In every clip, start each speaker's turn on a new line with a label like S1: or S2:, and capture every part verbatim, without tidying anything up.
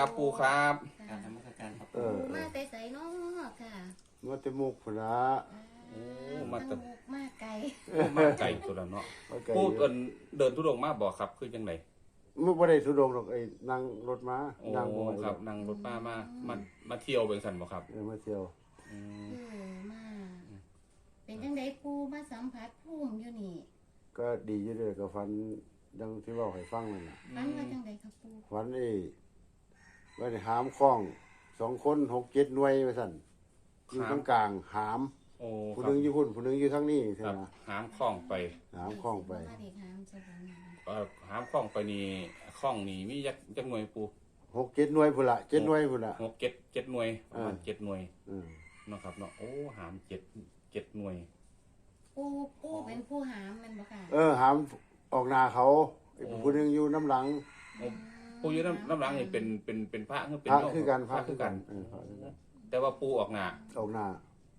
S1: ครับปูครับ
S2: การทำราชการครับ
S3: เออ
S4: มาแต่ใส่น้อค่ะ
S3: มาแต่มุกพุ่นละ
S1: โอ้มาแต่
S4: ตั้งมุกมาไกล
S1: มาไก่ตัวละเนาะ
S3: มาไกล
S1: ปู
S3: อยู่
S1: เดินเดินทุดงมาบอกครับคือจังได
S3: มันบ่ได้ทุดงหรอกไอ้นั่งรถมา
S1: โอ้
S3: นั่งบ่ไหว
S1: ครับนั่งรถป้ามามามาเที่ยวเป็นสันบ่ครับ
S3: เออมาเที่ยว
S1: อืม
S4: เออมาเป็นจังไดปูมาสัมผัสภูมิอยู่นี่
S3: ก็ดีอยู่เด้อก็ฝันดังที่เว้าให้ฟังนั่นน่ะ
S4: ฟันว่าจังไดครับปู
S3: ฝันไอ้ว่าได้หามคล้องสองคนหกเจ็ดหน่วยว่าซั่นอยู่ตรงกลางหาม
S1: โอ้
S3: ผู้
S1: ค
S3: ห
S1: รับ
S3: นึงอยู่พุ่นผู้หนึงอยู่ทางนี้
S1: ค
S3: ใช่
S1: รับ
S3: ไหม
S1: หามคล้องไป
S3: หามคล้องไป
S4: เด็กหามสวรรค์
S1: เอ่อหามคล้องไปนี่คล้องนี่มียักจักหน่วยปู
S3: หกเจ็ดหน่วยพุ่นละเจ็ดหน่วยพุ่นละ
S1: หกเจ็ดเจ็ดหน่วยประมาณ
S3: อ่า
S1: เจ็ดหน่วย
S3: เออ
S1: เนาะครับเนาะโอ้หามเจ็ดเจ็ดหน่วย
S4: ปูปูเป็นผู้หามแมันบ่ค่ะ
S3: เออหามออกหน้าเขาไอ้ผู้หนึงอยู่น้ำหลัง
S1: โอ้ปูอยู่น้ำน้ำหลังนี่เป็นเป็นเป็นพระคือเป็น
S3: พระ
S1: โยม
S3: คือกันพระ
S1: คื
S3: คือ อ
S1: กั
S3: กัน นเออพระคือกัน
S1: แต่ว่าปูออกหน้า
S3: ออกหน้า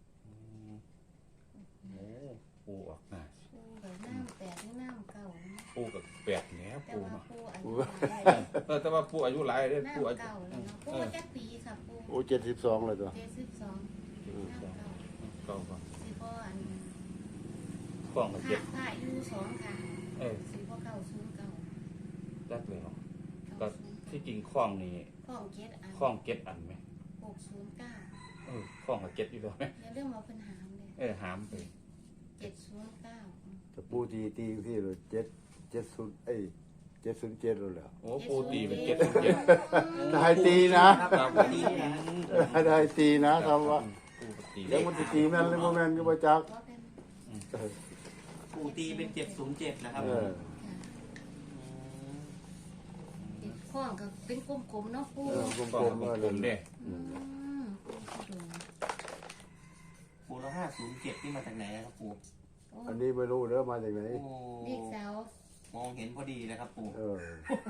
S1: โอ้ปูออกหน้า
S4: ปูกับน้ำแปดหรือน้ำเก่านะ
S1: ปูกับแปดแล้ว
S4: แต่
S1: ปู
S4: ว่า
S1: เนาะ
S4: ปูอายุหลาย
S1: เออแต่ว่าปูอายุหลายเด้อปูอา
S4: น้ำ
S1: ยุ
S4: เก่าแล้วเนาะปูจักปีค่ะปู
S3: โอ้เจ็ดสิบสองเลยตัว
S4: เจ็ดสิบสองน้ำเก่า
S1: เก้าก็
S4: สิพ่ออัน
S1: กล้องกับ
S4: พ
S1: เจ็
S4: ระ
S1: ด
S4: พระอยู่สองข้าง
S1: เออ
S4: สิพ่อเก่าศูนย์เก่า
S1: จักแล้วก็
S4: เก้าศูนย์
S1: ที่จริงคล้องนี่
S4: ข้องเจ็ดอัน
S1: คล้องเก็ดอันไหม
S4: หกศูนย์เก้า
S1: เออคล้องกับเก็ดอยู่แล้วไหม
S4: อย่าเรื่องมาเพิ่นหามเลย
S1: เออหามไป
S4: เจ็ดศูนย์เก้า
S3: แต่ปูตีตีที่เลยเจ็ดเจ็ดศูนย์เอ้ยเจ็ดศูนย์เจ็ดเลยแหล้ว
S1: โอ้ปูตีเป็นเก็ดเป็นเจ็ด
S3: ได้ตีนะครับ
S1: ผม
S2: ดีนะ
S3: ได้ตีนะทำว่า
S1: ปูตี
S3: แล้วมันจะตีแม่นหรือบ่แม่นก็บ่จัก
S4: ว่าเป็น
S3: เออ
S2: ปูตีเป็นเจ็ดศูนย์เจ็ดนะครับ
S3: เออ
S4: เจ็ดข้องก็เป็นกลมๆเนาะปู
S3: เออก
S1: คล้
S3: ล
S1: อง
S3: ม
S1: กับ
S3: ๆเออ
S1: ผมเด้
S4: อืม
S2: ปูแล้วห้าศูนย์เจ็ดที่มาจากไหนนะครับปู
S4: โอ้
S3: อันนี้ไม่รู้เด้อมาจากไหน
S2: โอ้
S4: เด็กสาว
S2: มองเห็นพอดีนะครับปู
S3: เออ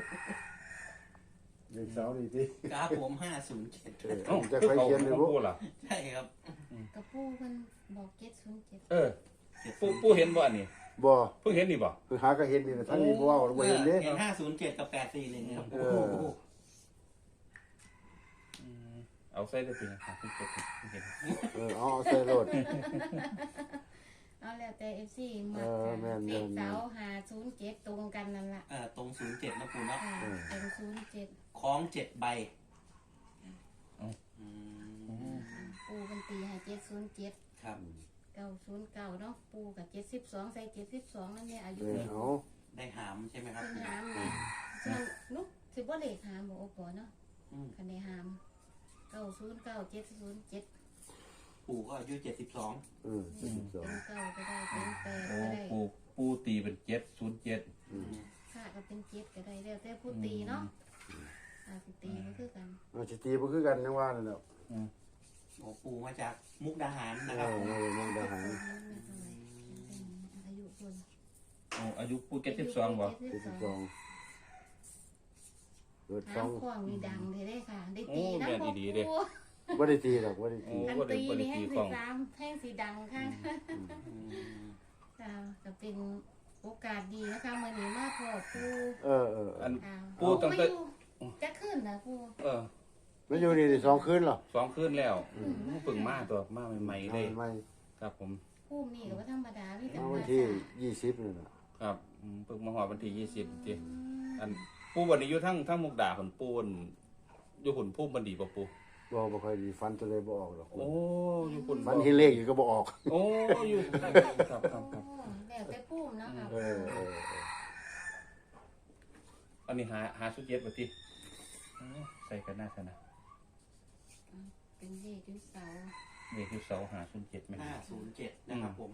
S3: เด็กสาวนี่ติ
S2: กราฟผมห้าศูนย์เจ็ด
S3: เออ
S1: เอ้า
S3: จะ
S1: คือ
S3: ใคร
S1: เขา
S3: เขียนเลย
S1: ของ
S3: บ่
S1: ปูล่ะ
S2: ใช่ครับ
S4: กับปูเพิ่นบอกเจ็ดศูนย์เจ็ด
S1: เออปูปูเห็นบ่อันนี้
S3: บ่
S1: เพิ่งเห็นนี่บ่
S3: คือหาก็เห็นนี่นะท่านนี่บ่เว้าบ่เห็นเด้
S2: เห็นห้าศูนย์เจ็ดกับแปดสี่เลยนะครับ
S3: เออ
S1: อืมเอาใส่ได้ปีนะครับคุณเจ็ดเห็น
S3: เออเอาเอาใส่รถ
S4: เอาแล้วแต่เอฟซีมา
S3: เออแม่นๆ
S4: เด็กสาวหาศูนย์เจ็ดตรงกันนั่นล่ะ
S2: เอ่อตรงศูนย์เจ็ดนะปูเนาะ
S4: ค่ะเป็นศูนย์เจ็ด
S2: คล้องเจ็ดใบอืม
S4: ปูเป็นตีให้เจ็ดศูนย์เจ็ด
S2: ครับ
S4: เก้าศูนย์เก้าเนาะปูกับเจ็ดสิบสองใส่เจ็ดสิบสองนั่นเนี่ยอายุ
S3: เออ
S4: เด็ก
S3: เอา
S2: ได้หามใช่ไหมครับ
S4: เป็นหามนี่ส่วนนุกสิบ่เลขหามบ่โอ้ปอเนาะ
S2: อืม
S4: คันได้หามเก้าศูนย์เก้าเจ็ดศูนย์เจ็ด
S2: ปู่ก็อายุเจ็ดสิบสอง
S3: เออเจ็ดสิบสอง
S4: เป็นเก้าก็ได้เป็นแปด
S1: โอ้
S4: ก็ได้
S1: ปูปูตีเป็นเจ็ดศูนย์เจ็ด
S3: อืม
S4: ค่ะก็เป็นเจ็ดก็ได้แล้วแต่ผู้ตีเนาะอ่าผู้ตีก็คือกัน
S3: เอาสิตีบ่คือกันจังว่านั่นแหละ
S2: โอ้ปู่มาจากมุกดาหาร
S3: เอ
S2: นะครับ
S3: อมาจากเมืองทหาร
S4: อายุคน
S1: โอ้อายุปูเจ็ดสิบสองบ่
S3: เจ็ดสิบสองเกิดส
S4: น้
S3: อง
S4: ำขวางนี่ดังเลยได้ค่ะ ได้
S1: โอ้
S4: ตีนะ
S1: แม่น
S4: พ่อ
S1: ดีๆเด้
S4: ปู
S3: บ่ได้ตีหรอกบ่ได้
S1: โอ้
S3: ตี
S4: อัน
S1: บ่ได้
S4: ตี
S1: บ่ได้
S4: นี่แห้
S1: ตี
S4: ง
S1: ข
S4: สี
S1: อง
S4: สามแห้งสีดังค่ะ
S2: อืม
S4: อ่าก็เป็นโอกาสดีนะคะมื่อนี้มาพ่อปู
S3: เออเออ
S1: อัน
S4: อ่า
S1: ปูตั้งแต่
S4: มาอยู่จะขึ้นนะปู
S1: เออ
S3: มันอยู่นี่ได้สองคืนเหรอ
S1: สองคืนแล้วเพิ่งมาตัวมาใหม่ๆเลย
S3: ไม่
S1: ครับผม
S4: ปูนี่ก็ว่าธรรมดาพี่แต่
S3: เอา
S4: มา
S3: วันที่
S4: สา
S3: ยี่สิบนี่น่ะ
S1: ครับอืมเพิ่งมาหอดวันที่ยี่สิบทีอันปูวันนี้อยู่ทั้งทั้งมุกดาผลปูนอยู่หุ่นพุ่มบันดีป่ะปู
S3: บ่บ่ค่อยดีฟันจะเลยบ่ออกหรอก
S1: โอ้อยู่หุ่น
S3: ฟันที่เลขอยู่ก็บ่ออก
S1: โอ้อยู่ครับครับครับครับ
S4: โอ้แล้วแต่ปูมเนาะค่ะ
S3: เออเออเออ
S1: อันนี้หาหาสุดเย็ดป่ะทีใส่กันหน้าชนะ
S4: เป็นเลขที่เสา
S1: เด็กอยู่เสาหาสุดเจ็ดไหม
S2: ห้าศูนย์เจ็ดนะครับผม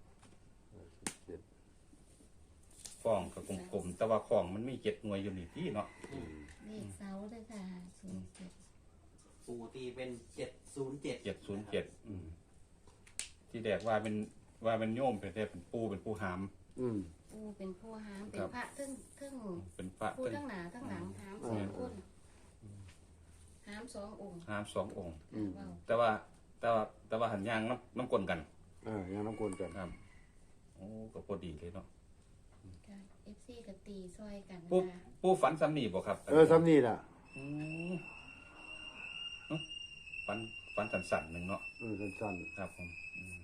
S1: ฟองกับกลมๆแต่ว่าของมันมีเจ็ดหน่วยอยู่นี่ที่เนาะ
S4: เลขเสาเลยค่ะศูนย์เจ็ด
S2: ปู่ตีเป็นเจ็ดศูนย์เจ็ด
S1: เจ็ดศูนย์เจ็ดที่แดกว่าเป็นว่าเป็นโยมเป็นแต่เป็นปูเป็นปูหาม
S3: อืม
S4: ปูเป็นผู้หามเป็น
S1: ครับ
S4: พระทึ่งทึ่ง
S1: เป็นพระ
S4: ผู้
S1: เป็น
S4: ทั้งหนาทั้งหลังหามสองคนหามสององค์
S1: หามสององค์
S3: อืม
S4: ว้าว
S1: แต่ว่าแต่ว่าแต่ว่าหันยางน้ำน้ำกลนกัน
S3: เออยังน้ำกวนกัน
S1: ครับโอ้ก็พอดีเลยเนาะ
S4: เอฟซีกับตีซอยกัน
S1: ปู
S4: นะคะ
S1: ปูฝันซ้ำนี่บ่ครับ
S3: เออซ้ำนี่น่ะ
S1: อืมฟันฟันสั่นๆหนึ่งเนาะ
S3: เออสั้น
S1: ครับผมอืม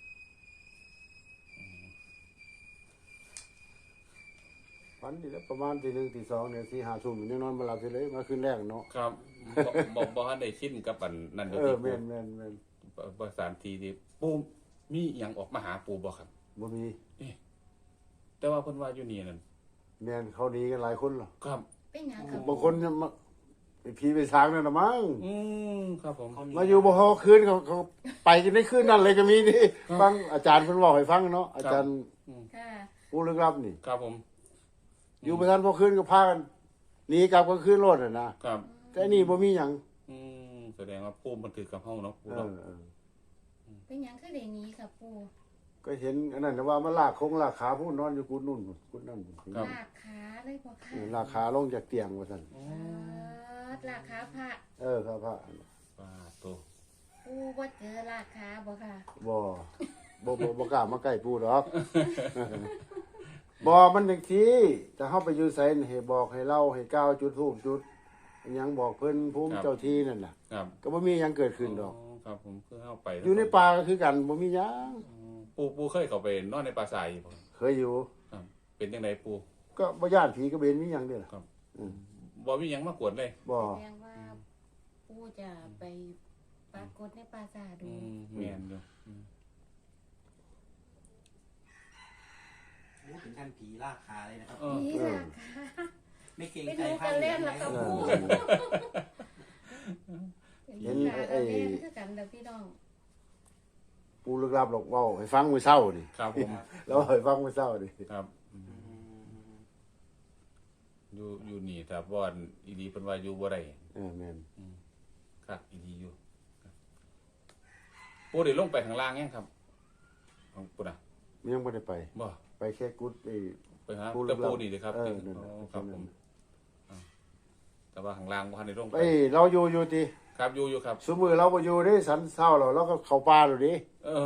S3: ๆฝันดีแล้วประมาณตีหนึ่งตีสองเนี่ยสี่ห้าทุ่มยังนอนบ่หลับเลยมาคืนแรกเนาะ
S1: ครับบ่บ่บ่ทันได้ชินกับอันนั่นเดี๋ยว
S3: เออ
S1: ที่
S3: แม่นแม่นแม่น
S1: ปูประสานทีที่ปูมีหยังออกมาหาปูบ่ครับ
S3: บ่มี
S1: แต่ว่าเพิ่นว่าอยู่นี่นั่น
S3: แม่นเขาหนีกันหลายคนหรอ
S1: ครับ
S4: เป็นหยังครับ
S3: บางคนเนี่ยมาไปผีไปสางนั่นน่ะมั้ง
S1: อืมครับผม
S2: เขา
S3: มาอยู่บ่ฮอคืนเขาเขาไปกันในคืนนั้นเลยก็มีนี่ฟังอาจารย์เพิ่นบอกให้ฟังเนาะอาจารย์
S4: ค่ะ
S3: ผู้ลึกลับนี่
S1: ครับผม
S3: อยู่บ่ทันพอคืนก็พากันหนีกลับกลางคืนรถน่ะนะครับ แต่นี่บ่มีหยัง
S1: อืมแสดงว่าปูมันถือกับเฮาเนาะปู
S3: เอ
S1: เนาะ
S3: อเออ
S4: เป็นหยังคือได้หนี้ครับปู
S3: ก็เห็นอันนั้นน่ะว่ามันลากคงลากขาผู้นอนอยู่กุดนู่นกุดนั่น
S1: ครับ
S4: ลากขาเลยบ่ค่ะ
S3: เออลากขาลงจากเตียงว่าซั่น
S1: อ๋อ
S4: เออลากขาพระ
S3: เออครับพระ
S1: ปาโต
S4: ปูบ่เจอลากขาบ่ค่ะ
S3: บ่บ่บ่บ่กล้ามาใกล้ปู่ดอก บ่มันจังซี่ถ้าเฮาไปอยู่ไสนี่ให้บอกให้เล่าให้กล่าวจุดธูปจุดอิหยังบอกเพิ่นภูมิเจ้าที่นั่นน่ะ
S1: ครับ
S3: ก็บ่มีหยังเกิดขึ้นดอก
S1: ครับผมคือเฮาไป
S3: อยู่ในป่าก็คือกันบ่มีหยัง
S1: อ๋อปูปูเคยเข้าไปนอนในป่าทรายอยู่บ่
S3: เคยอยู่
S1: ครับ เป็นจังไดปู
S3: ก็บ่ย่านผีก็เบนมีหยังเด้อล่ะ
S1: ครับ
S3: อืม
S1: บ่มีหยังมากวนเลย
S3: บ่
S4: แสดงว่าปูจะไปปรากฏในปราสาทดู
S1: อืมแม่นอยู่อืม
S2: โอ้ถึงขั้นผีลากขาเลยนะครับ
S1: เออ
S4: นี่ลากขา
S2: ไม่เกรง
S4: ไป
S2: ใจ
S4: ดู
S2: ไพ่
S4: กัน
S2: เล
S4: เล่
S2: ย
S4: น
S2: นะ
S4: แล้ว
S2: ค
S4: กั
S2: รั
S4: บบ ปู
S3: เห็น
S4: ขา
S3: ไอ้
S4: กันเล่นคือกันเด้อพี่น้อง
S3: ปู่ลึกลับหรอกเว้าให้ฟังมื้อเช้านี่
S1: ครับผม
S3: แล้วให้ฟังมื้อเช้านี่
S1: ครับอืมอยู่อยู่นี่ถ้าบ่อนอีหลีเพิ่นว่าอยู่บ่ได้
S3: เออแม่น
S1: ครับอีหลีอยู่ครับปูได้ลงไปข้างล่างยังครับของปูน่ะ
S3: มันยังบ่ได้ไป
S1: บ่
S3: ไปแค่กุดไอ้
S1: ไปหา
S3: ปูลึ
S1: แต่
S3: กลับ
S1: ปูนี่เลยครับ
S3: เออ
S1: ที่
S3: นั่นน่ะ
S1: อ๋อครับผมอ่าแต่ว่าข้างล่างบ่ทันได้ลงไป
S3: เอ้ยเราอยู่อยู่ติ
S1: ครับอยู่อยู่ครับ
S3: ซุมื้อเราบ่อยู่เด้สันเช้าแล้วเราก็เข้าป่าแล้วดิ
S1: เออ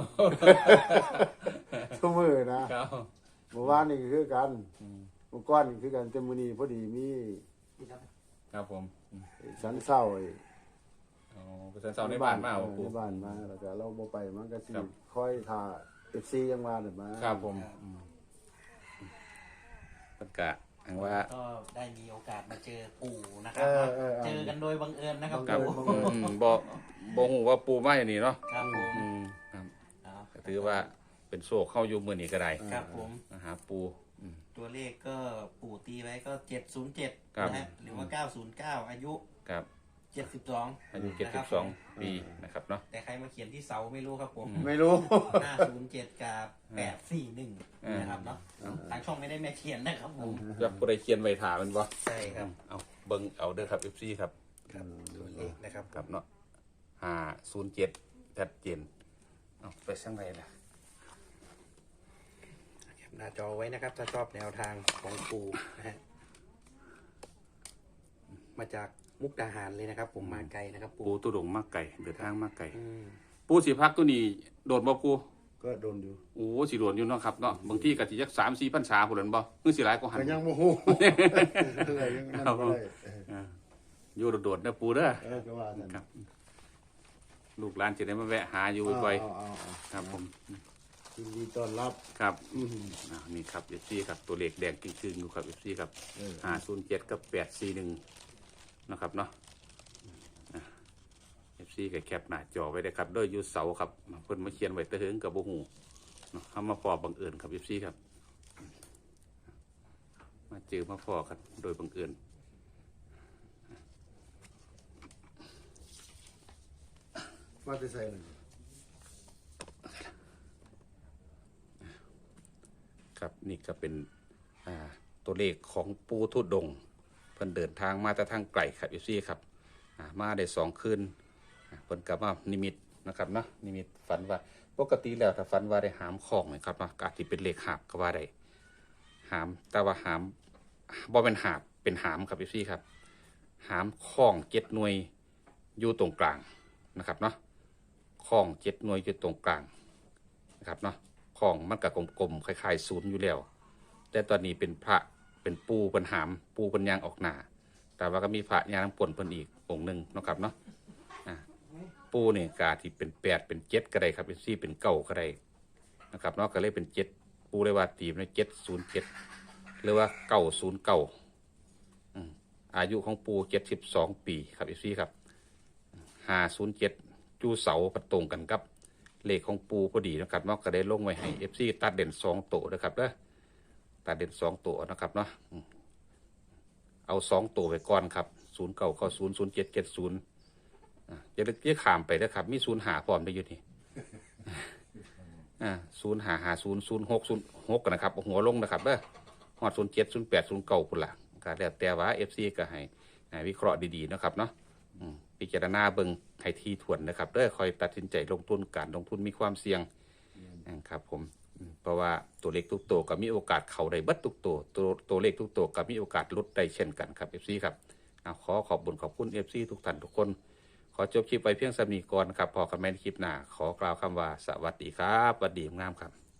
S3: ซุมื้อนะครับ เมื่อวานนี่ก็คือกัน
S1: อืม
S3: เมื่อก่อนนี่คือกันแต่มื้อนี้พอดีมี
S1: ครับผมอืม
S3: สันเช้าไอ้
S1: อ๋อไปเช้าในบ้านมาบ่ปู
S3: ในบ้านมาแล้วก็เราบ่ไปมันก็สิ
S1: ครับ
S3: คอยท่า เอฟ ซี ยังว่าน่ะมา
S1: ครับผมอืมเพิ่นกะอังว่า
S2: ก็ได้มีโอกาสมาเจอปู่นะค
S3: เอ
S2: รับ
S3: อเออ
S2: เจอกันโดยบังเอิญนะครับ
S1: ครับ
S2: ปู่
S1: อืมบ่บ่ฮู้ว่าปูมาอย่างนี้เนาะ
S2: ครับผม
S1: อืมครับ
S2: เอา
S1: ก็ถือว่าเป็นโชคเข้าอยู่มื้อนี้ก็ได้
S2: ครับผม
S1: มาหาปูอืม
S2: ตัวเลขก็ปู่ตีไว้ก็เจ็ดศูนย์เจ็ด
S1: ครับ
S2: นะฮะหรือว่าเก้าศูนย์เก้าอายุ
S1: ครับ
S2: เจ็ดสิบสอง
S1: อายุเจ็ดสิบสองปีนะครับเนาะ
S2: แต่ใครมาเขียนที่เสาไม่รู้ครับผม
S3: ไม่รู้
S2: ห้าศูนย์เจ็ดกับแปดสี่หนึ่งนะครับเนาะทางช่องไม่ได้แม่เขียนนะครับผม
S1: จะผู้ใดเขียนไว้ถามันบ่
S2: ใช่ครับ
S1: เอาเบิ่งเอาเด้อครับ เอฟ ซี ครับ
S2: ครับตัวเลขนะครับ
S1: ครับเนาะห้าศูนย์เจ็ดชัดเจนเอาไปช่างไรล่ะ
S2: แคปหน้าจอไว้นะครับ ถ้าชอบแนวทางของปู่นะฮะมาจากมุกดาหารเลยนะครับ ผมมาไกลนะครับ
S1: ปู
S2: ปู่
S1: ตุดงมากไก่เดินทางมากไก่
S2: อืม
S1: ปูสีพักตัวนี้โดดบ่ปู
S3: ก็โดนอยู่
S1: โอ้สิโดดอยู่เนาะครับเนาะบางที่ก็สิจักสามสี่พันษาพุ่นนั่นบ่มือสิหลายกว่าหัน
S3: ก็ยังบ่ฮู้ อะไรยังนั่นบ่ได้เออ
S1: อ่าอยู่โดดๆนะปูเด้อ
S3: เออก็ว่าซั่น
S1: ครับ ลูกหลานจะได้มาแวะหาอยู่บ่อย
S3: เอาเอาเอา
S1: ๆครับผม
S3: ยินดีต้อนรับ
S1: ครับ
S3: อืม
S1: อ่านี่ครับ เอฟ ซี ครับตัวเลขแดงกิ้งๆอยู่ครับ เอฟ ซี ครับ
S3: เออ
S1: ห้าศูนย์เจ็ดกับแปดสี่หนึ่งนะครับเนาะเอฟซีก็แคปหน้าจอไว้ได้ครับด้วยยูเสาครับเพิ่นมาเขียนไว้ตะเหิงกับโบหูเนาะเขามาพอบังเอิญครับเอฟซีครับ มาเจอมาพอกันโดยบังเอิญ
S3: มาแต่ไสนั่น
S1: ครับนี่ก็เป็นอ่าตัวเลขของปูทุดดงค์เพิ่นเดินทางมาแต่ทางไกลครับเอฟซีครับอ่ามาได้สองคืนอ่าเพิ่นกลับมานิมิตนะครับเนาะนิมิตฝันว่าปกติแล้วถ้าฝันว่าได้หามของนะครับเนาะก็อาจจะเป็นเลขหาบก็ว่าได้หามแต่ว่าหามบ่เป็นหาบเป็นหามครับเอฟซีครับหามข้องเจ็ดหน่วยอยู่ตรงกลางนะครับเนาะข้องเจ็ดหน่วยอยู่ตรงกลางนะครับเนาะ ของมันกับกลมๆคล้ายๆศูนย์อยู่แล้ว แต่ตอนนี้เป็นพระเป็นปูเป็นหามปูเป็นยางออกหนาแต่ว่าก็มีพระยางน้ำปนเพิ่นอีกองค์หนึ่งเนาะครับเนาะอ่าปูเนี่ยกาที่เป็นแปดเป็นเจ็ดก็ได้ครับเป็นสี่เป็นเก้าก็ได้นะครับเนาะก็เลยเป็นเจ็ดปูเลยว่าตีมในเจ็ดศูนย์เจ็ดหรือว่าเก้าศูนย์เก้าอายุของปูเจ็ดสิบสองปีครับอีซี่ครับห้าศูนย์เจ็ดจูเสาประตรงกันครับเลขของปูพอดีนะครับเนาะก็ได้ลงไว้ให้เอฟซีตัดเด่นสองตัวนะครับเด้อตัดเด่นสองตัวนะครับเนาะเอาสองตัวไปก่อนครับศูนย์เก้าเก้าศูนย์ศูนย์เจ็ดเจ็ดศูนย์จะเรียกขามไปนะครับมีศูนย์หาพร้อมได้อยู่นี่ศูนย์หาหาศูนย์ศูนย์หกศูนย์หกกันนะครับหัวลงนะครับเด้อหอดศูนย์เจ็ดศูนย์แปดศูนย์เก้าคนละก็แล้วแต่ว่าเอฟซีก็ให้วิเคราะห์ดีๆนะครับเนาะพิจารณาเบิ่งให้ทีถ่วนนะครับเด้อคอยตัดสินใจลงทุนการลงทุนมีความเสี่ยงครับผมเพราะว่าตัวเลขทุกตัวก็มีโอกาสเข้าได้เบิดทุกตัวตัวตัวเลขทุกตัวก็มีโอกาสลดได้เช่นกันครับเอฟซีครับขอขอบคุณขอบคุณเอฟซีทุกท่านทุกคนขอจบคลิปไปเพียงสำนีก่อนครับพอกันใหม่ในคลิปหน้าขอกล่าวคำว่าสวัสดีครับสวัสดีงามครับ